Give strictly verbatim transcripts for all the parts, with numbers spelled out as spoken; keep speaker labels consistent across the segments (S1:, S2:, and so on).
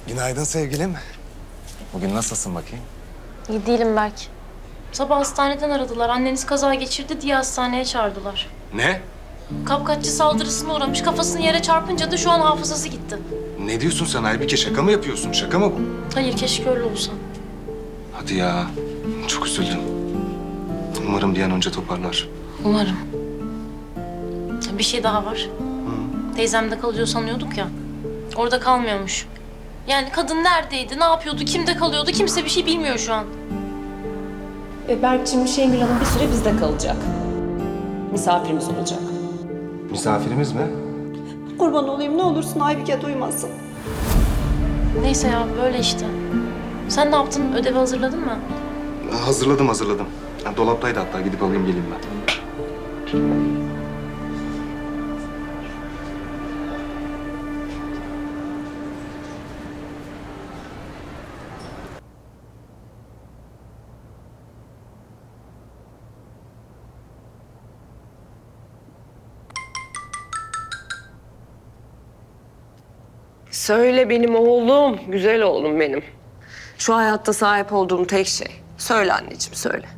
S1: Günaydın sevgilim. Bugün nasılsın bakayım?
S2: İyi değilim Berk. Sabah hastaneden aradılar. Anneniz kaza geçirdi diye hastaneye çağırdılar.
S1: Ne?
S2: Kapkaççı saldırısına uğramış. Kafasını yere çarpınca da şu an hafızası gitti.
S1: Ne diyorsun sen Aybike? Şaka mı yapıyorsun? Şaka mı bu?
S2: Hayır, keşke öyle olsa.
S1: Hadi ya. Çok üzüldüm. Umarım bir an önce toparlar.
S2: Umarım. Bir şey daha var. Teyzemde kalıyor sanıyorduk ya. Orada kalmıyormuş. Yani kadın neredeydi, ne yapıyordu, kimde kalıyordu kimse bir şey bilmiyor şu an.
S3: E, Berk'cim, Şengül Hanım bir süre bizde kalacak. Misafirimiz olacak.
S1: Misafirimiz mi?
S4: Kurban olayım, ne olursun Aybike duymasın.
S2: Neyse ya, böyle işte. Sen ne yaptın? Ödevi hazırladın mı?
S1: Hazırladım hazırladım. Ha, dolaptaydı hatta. Gidip alayım geleyim ben.
S5: Söyle benim oğlum, güzel oğlum benim. Şu hayatta sahip olduğum tek şey. Söyle anneciğim, söyle.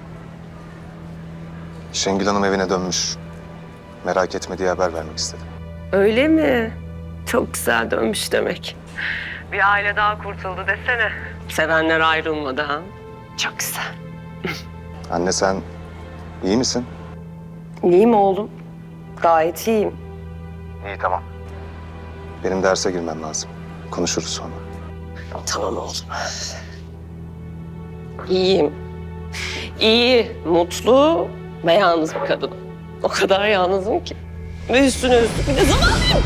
S1: Şengül Hanım evine dönmüş. Merak etme diye haber vermek istedim.
S5: Öyle mi? Çok güzel dönmüş demek. Bir aile daha kurtuldu desene. Sevenler ayrılmadı ha. Çok güzel.
S1: Anne sen iyi misin?
S5: İyiyim oğlum. Gayet iyiyim.
S1: İyi tamam. Benim derse girmem lazım. Konuşuruz sonra.
S5: Tamam oğlum. İyiyim. İyi, mutlu ve yalnız bir kadınım. O kadar yalnızım ki. Ve üstüne üstlük bir de zavallıyım.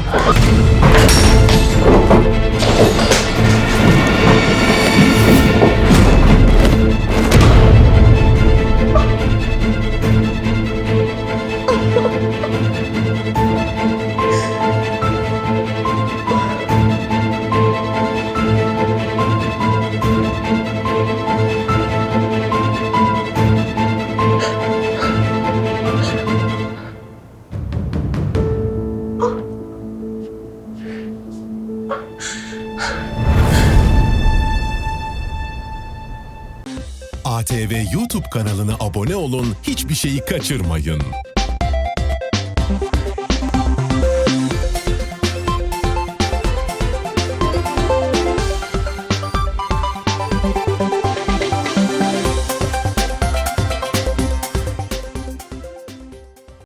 S6: A T V YouTube kanalına abone olun, hiçbir şeyi kaçırmayın.